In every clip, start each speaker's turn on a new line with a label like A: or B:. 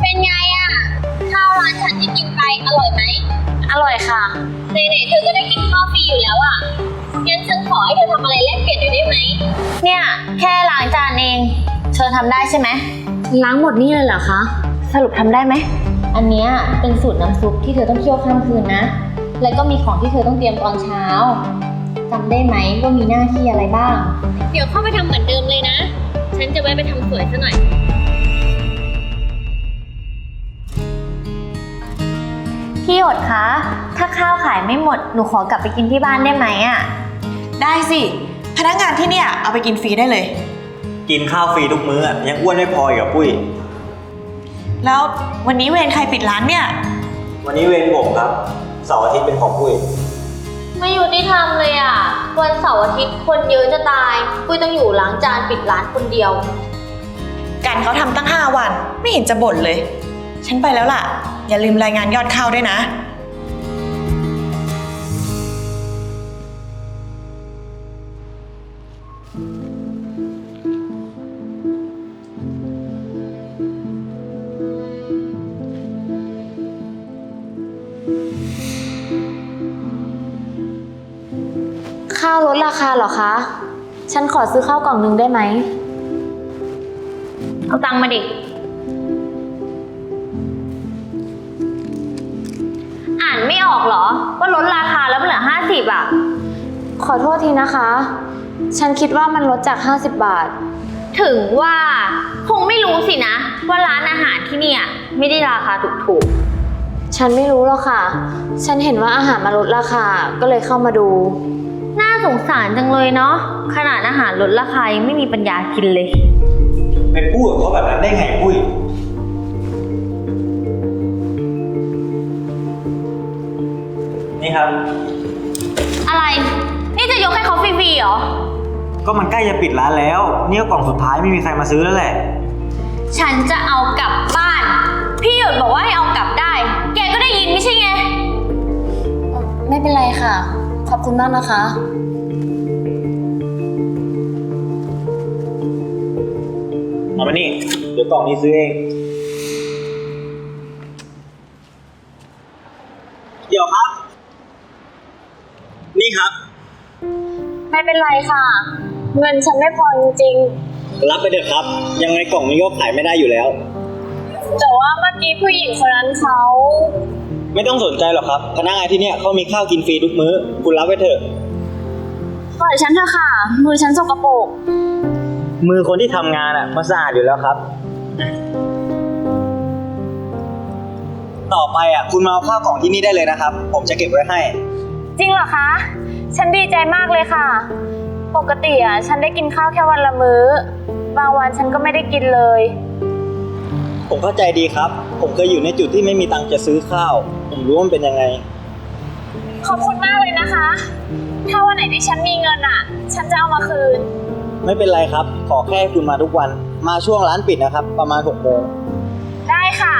A: เป็นไงอะข้าวร้านฉันที่กินไปอร่อยไหม
B: อร่อยค่ะ
A: ไหนๆเธอก็ได้กินข้าวฟรีอยู่แล้วอะงั้นฉันขอให้เธอทำอะไรแลกเปลี่ยนหน่อยได้ไหม
B: เนี่ยแค่ล้างจานเองเธอทำได้ใช่ไหมล้างหมดนี่เลยเหรอคะสรุปทำได้ไหมอันเนี้ยเป็นสูตรน้ำซุปที่เธอต้องเคี่ยวข้ามคืนนะแล้วก็มีของที่เธอต้องเตรียมตอนเช้าจำได้ไหมว่ามีหน้าที่อะไรบ้าง
A: เดี๋ยวเข้าไปทำเหมือนเดิมเลยนะฉันจะแวะไปทำสวยซะหน่อย
B: พี่หยดคะถ้าข้าวขายไม่หมดหนูขอกลับไปกินที่บ้านได้ไหมอ่ะ
C: ได้สิพนักงานที่เนี่ยเอาไปกินฟรีได้เลย
D: กินข้าวฟรีทุกมื้อยังอ้วนไม่พออีกกับปุ้ย
C: แล้ววันนี้เวรใครปิดร้านเนี่ย
D: วันนี้เวรผมครับเสาร์อาทิตย์เป็นของปุ้ย
B: ไม่อยู่ที่ทำเลยอ่ะวันเสาร์อาทิตย์คนเยอะจะตายปุ้ยต้องอยู่ล้างจานปิดร้านคนเดียว
C: การเขาทำตั้ง5 วันไม่เห็นจะบ่นเลยฉันไปแล้วล่ะอย่าลืมรายงานยอดเข้าด้วยนะ
B: ข้าวลดราคาเหรอคะฉันขอซื้อข้าวกล่องนึงได้ไหมเอาตังค์มาดิอ่านไม่ออกเหรอว่าลดราคาแล้วมันเหลือ50อ่ะขอโทษทีนะคะฉันคิดว่ามันลดจาก50 บาทถึงว่าคงไม่รู้สินะว่าร้านอาหารที่นี่ไม่ได้ราคาถูกๆฉันไม่รู้หรอกค่ะฉันเห็นว่าอาหารมาลดราคาก็เลยเข้ามาดูน่าสงสารจังเลยเนาะขนาดอาหารลดราคายังไม่มีปัญญากินเลย
D: ไปพูดกับเขาแบบนั้นได้ไงปุ้ยนี่ครับ
B: อะไรนี่จะยกให้เขาฟรีๆเหรอ
D: ก็มันใกล้จะปิดร้านแล้วนี่ก็กล่องสุดท้ายไม่มีใครมาซื้อแล้วแหละ
B: ฉันจะเอากลับบ้านพี่หยดบอกว่าให้เอากลับได้แกก็ได้ยินไม่ใช่ไงไม่เป็นไรค่ะขอบคุณมากนะคะ
D: เอามานี่เดี๋ยวกล่องนี้ซื้อเองเดี๋ยวครับนี่ครับ
B: ไม่เป็นไรค่ะเงินฉันไม่พอจริง
D: รับไปเถอะครับยังไงกล่องนี้ก็ขายไม่ได้อยู่แล้ว
B: แต่ว่าเมื่อกี้ผู้หญิงคนนั้นเขา
D: ไม่ต้องสนใจหรอกครับพนักงานที่เนี่ยเขามีข้าวกินฟรีทุกมื้อคุณรับไปเถอะ
B: ปล่อยฉันเถอะค่ะมือฉันสกปรก
D: มือคนที่ทำงานมันสะอาดอยู่แล้วครับต่อไปคุณมาเอาข้าวกล่องที่นี่ได้เลยนะครับผมจะเก็บไว้ให้
B: จริงเหรอคะฉันดีใจมากเลยค่ะปกติฉันได้กินข้าวแค่วันละมื้อบางวันฉันก็ไม่ได้กินเลย
D: ผมเข้าใจดีครับผมเคยอยู่ในจุดที่ไม่มีตังค์จะซื้อข้าวผมรู้ว่ามันเป็นยังไง
B: ขอบคุณมากเลยนะคะถ้าวันไหนที่ฉันมีเงินฉันจะเอามาคืน
D: ไม่เป็นไรครับขอแค่คุณมาทุกวันมาช่วงร้านปิดนะครับประมาณ6 โมง
B: ได้ค่ะ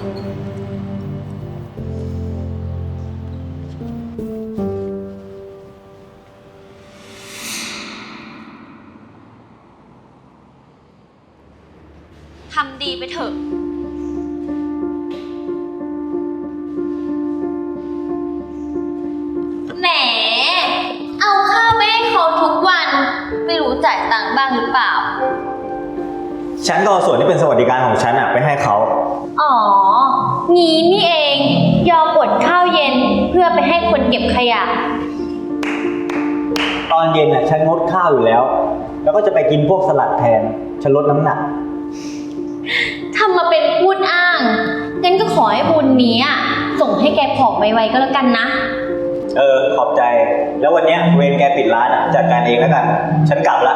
B: ทำดีไปเถอะแหมเอาข้าวไปให้เขาทุกวันไม่รู้จ่ายตังค์บ้างหรือเปล่า
D: ฉันก็เอาส่วนที่เป็นสวัสดิการของฉันไปให้เขา
B: อ๋องี้นี่เองยอมอดข้าวเย็นเพื่อไปให้คนเก็บขยะ
D: ตอนเย็นฉันงดข้าวอยู่แล้วแล้วก็จะไปกินพวกสลัดแทนฉันลดน้ำหนัก
B: ทำมาเป็นพูดอ้างงั้นก็ขอให้บุญนี้ส่งให้แกผอมไวๆก็แล้วกันนะ
D: ขอบใจแล้ววันนี้เวรแกปิดร้านจัดการเองแล้วกันฉันกลับละ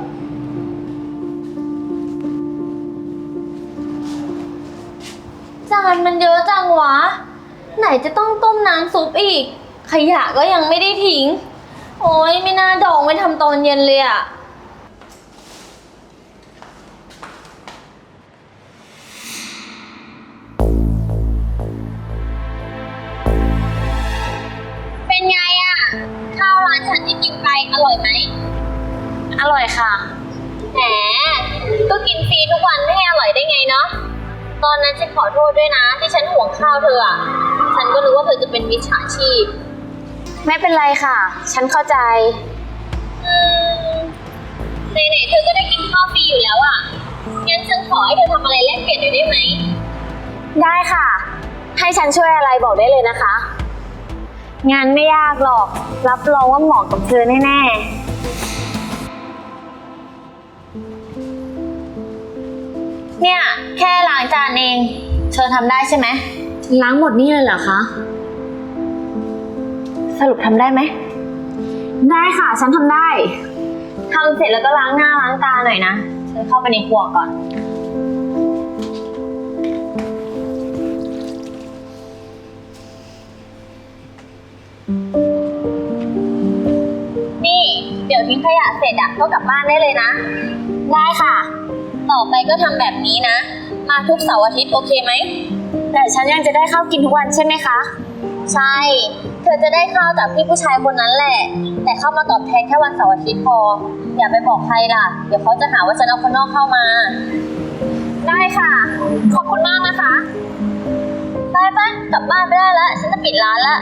B: จานมันเยอะจังวะไหนจะต้องต้มน้ำซุปอีกขยะก็ยังไม่ได้ทิ้งโอ๊ยไม่น่าดองไว้ทำตอนเย็นเลย
A: เป็นไงข้าวร้านฉันที่กินไปอร่อยไหม
B: อร่อยค่ะ
A: แหมก็กินฟรีทุกวันไม่ให้อร่อยได้ไงเนาะตอนนั้นฉันขอโทษด้วยนะ ที่ฉันห่วงข้าวเธออะฉันก็นึกว่าเธอจะเป็นมิจฉาชีพ
B: ไม่เป็นไรค่ะ ฉันเข้าใจ
A: ไหนๆเธอก็ได้กินข้าวฟรีอยู่แล้วอะงั้นฉันขอให้เธอทำอะไรแลกเปลี่ยนหน่อยได้ไหม
B: ได้ค่ะ ให้ฉันช่วยอะไรบอกได้เลยนะคะ งานไม่ยากหรอก รับรองว่าเหมาะกับเธอแน่ๆ เนี่ยแค่ล้างจานเอง เธอทำได้ใช่ไหม ล้างหมดนี่เลยเหรอคะ สรุปทำได้ไหม ได้ค่ะ ฉันทำได้ ทำเสร็จแล้วก็ล้างหน้าล้างตาหน่อยนะ ฉันเข้าไปในครัวก่อน
A: นี่เดี๋ยวทิ้งขยะเสร็จอะก็กลับบ้านได้เลยนะ
B: ได้ค่ะ
A: ต่อไปก็ทำแบบนี้นะ มาทุกเสาร์อาทิตย์โอเคไหม
B: แต่ฉันยังจะได้ข้าวกินทุกวันใช่ไหมคะ
A: ใช่ เธอจะได้ข้าวจากพี่ผู้ชายคนนั้นแหละ แต่เข้ามาตอบแทนแค่วันเสาร์อาทิตย์พอ อย่าไปบอกใครล่ะ เดี๋ยวเขาจะหาว่าฉันเอาคนนอกเข้ามา
B: ได้ค่ะ ขอบคุณมากนะคะ
A: ไปกลับบ้านไปได้แล้ว ฉันจะปิดร้านละ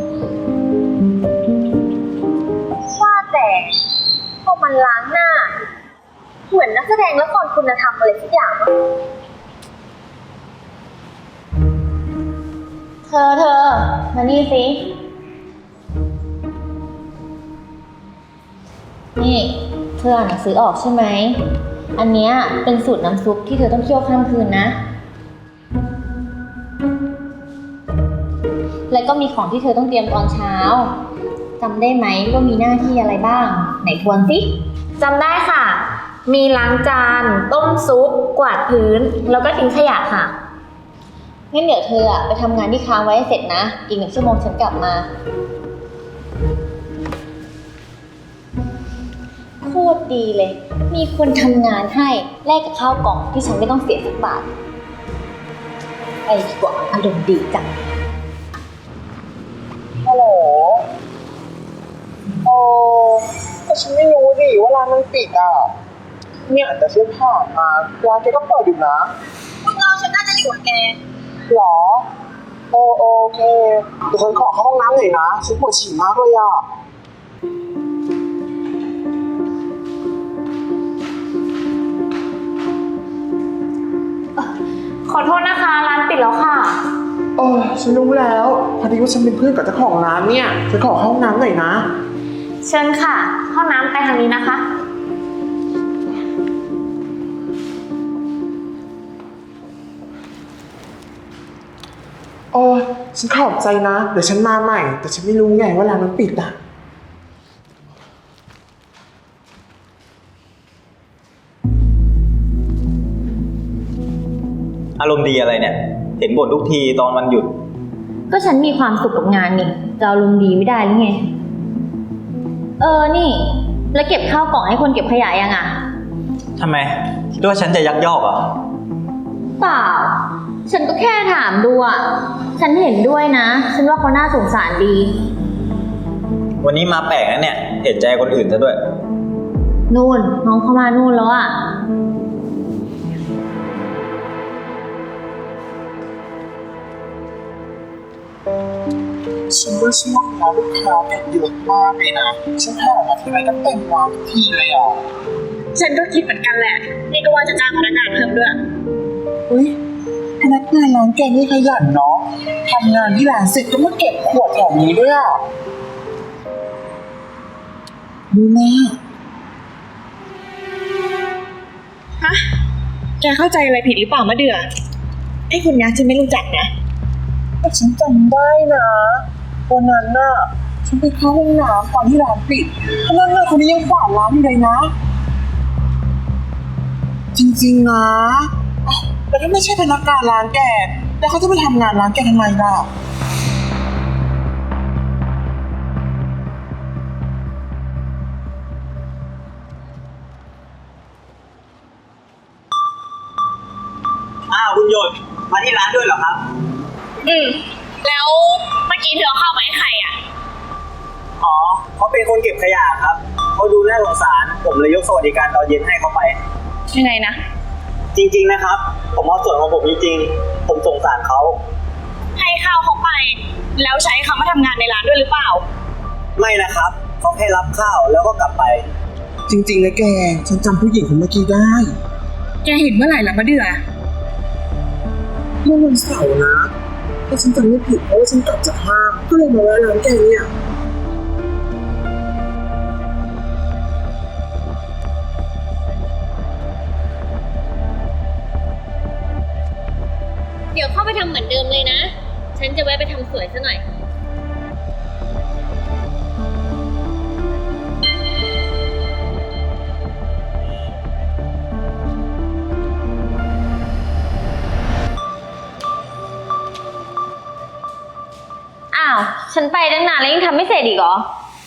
A: ว่าแต่พวกมันล้างหน้า เหมือนนักแสดงละครคุณธรรมอะไรสักอย่างวะ
B: เธอ มานี่สิ นี่เธออ่านหนังสือออกใช่ไหม อันเนี้ยเป็นสูตรน้ำซุปที่เธอต้องเคี่ยวข้ามคืนนะ แล้วก็มีของที่เธอต้องเตรียมตอนเช้า จำได้ไหมว่ามีหน้าที่อะไรบ้าง ไหนทวนสิจำได้ค่ะ มีล้างจาน ต้มซุป กวาดพื้น แล้วก็ทิ้งขยะค่ะ งั้นเดี๋ยวเธออะไปทำงานที่ค้างไว้ให้เสร็จนะ อีก1 ชั่วโมงฉันกลับมา โคตรดีเลย มีคนทำงานให้แลกกับข้าวกล่องที่ฉันไม่ต้องเสียสักบาทไอ้กว่าอารมณ์ดีจัง
E: ฮัลโหลแต่ฉันไม่รู้ดิว่าร้านมันปิดอ่ะ เนี่ยแต่ฉันผ่านมาร้านแกก็เปิดอยู่นะ
C: พวกเราฉันน่าจะอยู่กับแก
E: หรอ โอเคเดี๋ยวฉันขอเข้าห้องน้ำหน่อยนะ ฉันปวดฉี่มากเลยอ่ะ
B: ขอโทษนะคะ ร้านปิดแล้วค่ะ
E: ฉันรู้แล้ว พอดีว่าฉันเป็นเพื่อนกับเจ้าของร้านเนี่ยฉันขอเข้าห้องน้ำหน่อยนะ
B: เชิญค่ะ ห้องน้ำไปทางนี้นะคะ
E: ฉันขอบใจนะ เดี๋ยวฉันมาใหม่ แต่ฉันไม่รู้ไงว่าร้านมันปิดอ่ะ
D: อารมณ์ดีอะไรเนี่ย เห็นบ่นทุกทีตอนวันหยุด
B: ก็ฉันมีความสุขกับงานนี่จะอารมณ์ดีไม่ได้หรือไง นี่ แล้วเก็บข้าวกล่องให้คนเก็บขยะยังอ่ะ
D: ทำไม คิดว่าฉันจะยักยอกเหรอ
B: เปล่า ฉันก็แค่ถามดูอ่ะ ฉันเห็นด้วยนะ ฉันว่าเขาน่าสงสารดี
D: วันนี้มาแปลกนะเนี่ย เห็นใจคนอื่นซะด้วย
B: นู่น น้องเข้ามานู่นแล้วอ่ะ
E: ฉันว่าช่วงนี้ลูกค้าเนี่ยเยอะมากเลยนะ ฉันผ่านมาทีไรก็เต็มร้านทุกทีเลยอ่ะ
C: ฉันก็คิดเหมือนกันแหละ นี่ก็ว่าจะจ้างพนักงานเพิ่มด้วย
E: อุ้ยพนักงานร้านแกนี่ขยันเนาะทำงานที่ร้านเสร็จก็มาเก็บขวดแถวนี้ด้วยอ่ะดูแม่
C: ฮะ แกเข้าใจอะไรผิดหรือเปล่ามะเดือไอ้คนนี้ฉันไม่รู้จักนะ
E: แต่ฉันจำได้นะวันนั้นน่ะฉันไปเข้าห้องน้ำตอนที่ร้านปิดพนักงานคนนี้ยังกวาดร้านอยู่เลยนะ จริงๆนะอ้าวแต่ถ้าไม่ใช่พนักงานร้านแกแล้วเขาจะไปทำงานร้านแกทำไมล่ะ
D: อ้าวคุณโยนมาที่ร้านด้วยเหรอครับ
C: แล้วเมื่อกี้เธอเอาข้าวมาให้ใครอ่ะ
D: อ๋อ เขาเป็นคนเก็บขยะครับ เขาดูน่าสงสาร ผมเลยยกสวัสดิการตอนเย็นให้เขาไป
C: ยังไงนะ
D: จริงๆนะครับผมเอาส่วนของผมจริงๆผมสงสารเขา
C: ให้ข้าวเขาไป แล้วใช้เขามาทำงานในร้านด้วยหรือเปล่า
D: ไม่นะครับเขาแค่รับข้าวแล้วก็กลับไป
E: จริงๆนะแก ฉันจำผู้หญิงคนเมื่อกี้ได้
C: แกเห็นเมื่อไหร่ล่ะมะเดือ
E: เมื่อวันเสาร์นะถ้าฉันจำไม่ผิดเพราะว่าฉันกลับจากห้างก็เลยมาแวะร้านแกเนี่ย
A: เดี๋ยวเข้าไปทำเหมือนเดิมเลยนะ ฉันจะแวะไปทำสวยซะหน่อย
B: อ้าว ฉันไปตั้งนานแล้วยังทำไม่เสร็จอีกเหรอ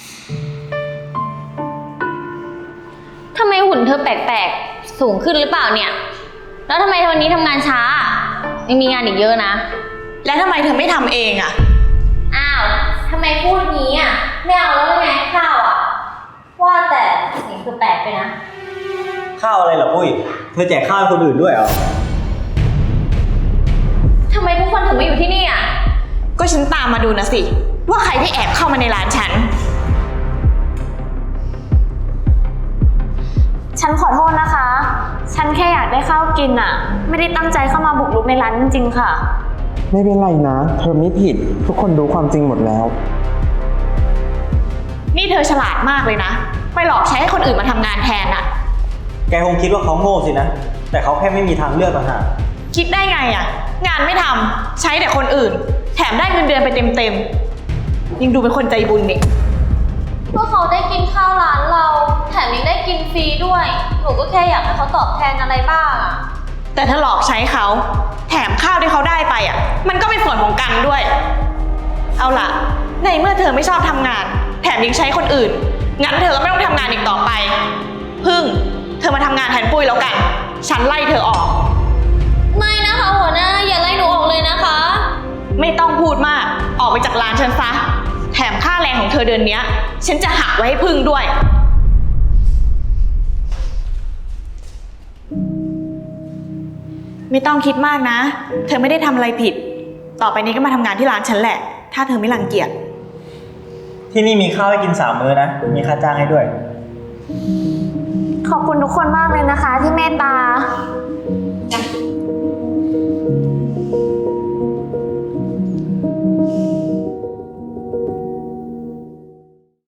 B: ทำไมหุ่นเธอแปลกๆ สูงขึ้นหรือเปล่าเนี่ย แล้วทำไมวันนี้ทำงานช้า ยังมีงานอีกเยอะนะ
C: แล้วทำไมเธอไม่ทำเองอะ
B: อ้าว ทำไมพูดงี้อ่ะ ไม่เอาแล้วไงข้าวอ่ะ ว่าแต่เสียงคือแปลกไปนะ
D: ข้าวอะไรเหรอปุ้ยเธอแจกข้าวให้คนอื่นด้วยเหรอ
B: ทำไมทุกคนถึงมาอยู่ที่นี่อ่ะ
C: ก็ฉันตามมาดูนะสิ ว่าใครที่แอบเข้ามาในร้านฉัน
B: ฉันขอโทษนะคะ ฉันแค่อยากได้ข้าวกินอ่ะ ไม่ได้ตั้งใจเข้ามาบุกรุกในร้านจริงๆค่ะ
E: ไม่เป็นไรนะ เธอไม่ผิด ทุกคนรู้ความจริงหมดแล้ว
C: นี่เธอฉลาดมากเลยนะ ไปหลอกใช้ให้คนอื่นมาทำงานแทนอะ
D: แกคงคิดว่าเขาโง่สินะ แต่เขาแค่ไม่มีทางเลือกต่างหาก
C: คิดได้ไงอะงานไม่ทำใช้แต่คนอื่น แถมได้เงินเดือนไปเต็มๆยังดูเป็นคนใจบุญนี่
B: พวกเขาได้กินข้าวร้านเรา แถมยังได้กินฟรีด้วย หนูก็แค่อยากให้เขาตอบแทนอะไรบ้างอ่ะ
C: แต่ถ้าหลอกใช้เขา แถมข้าวที่เขาได้ไปอะมันก็เป็นส่วนของกันด้วย เอาล่ะ ในเมื่อเธอไม่ชอบทำงาน แถมยังใช้คนอื่น งั้นเธอก็ไม่ต้องทำงานอีกต่อไป พึ่ง เธอมาทำงานแทนปุ้ยแล้วกัน ฉันไล่เธอออก
B: ไม่นะคะหัวหน้าอย่าไล่หนูออกเลยนะคะ
C: ไม่ต้องพูดมาก ออกไปจากร้านฉันซะ แถมค่าแรงของเธอเดือนเนี้ย ฉันจะหักไว้ให้พึ่งด้วย ไม่ต้องคิดมากนะ เธอไม่ได้ทำอะไรผิด ต่อไปนี้ก็มาทำงานที่ร้านฉันแหละ ถ้าเธอไม่รังเกียจ
D: ที่นี่มีข้าวให้กิน3 มื้อนะ มีค่าจ้างให้ด้วย
B: ขอบคุณทุกคนมากเลยนะคะที่เมตตา